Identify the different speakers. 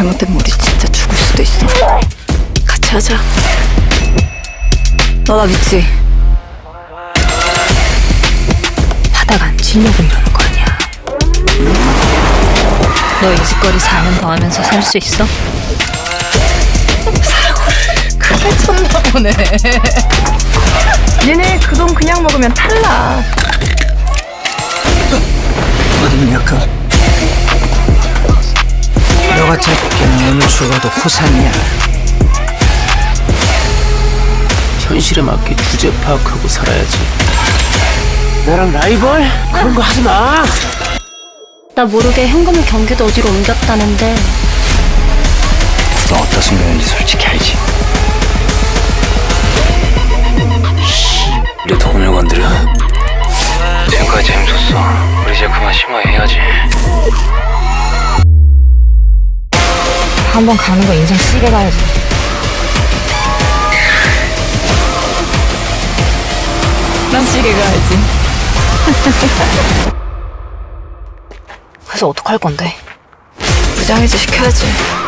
Speaker 1: 잘못되면 우리 진짜 죽을 수도 있어. 같이 하자. 너 나 믿지? 하다가 안 치려고 이러는 거 아니야. 너 이 짓거리 4년 더 하면서 살 수 있어? 사고를 크게 쳤나 보네. 얘네 그 돈 그냥 먹으면 탈락.
Speaker 2: 어디는 약간 너가 잡기는 오늘 죽어도 호산이야.
Speaker 3: 현실에 맞게 주제 파악하고 살아야지.
Speaker 2: 나랑 라이벌? 그런 거 하지 마.
Speaker 4: 나 모르게 현금을 경기도 어디로 옮겼다는데
Speaker 2: 너 어떤 순간인지 솔직히 알지?
Speaker 3: 내 돈을 건드려? 지금까지 재밌었어. 우리 이제 그만 심화해야지.
Speaker 1: 한 번 가는 거 인생 시계 가야지. 난 시계 가야지. 그래서 어떡할 건데? 부장이지 시켜야지.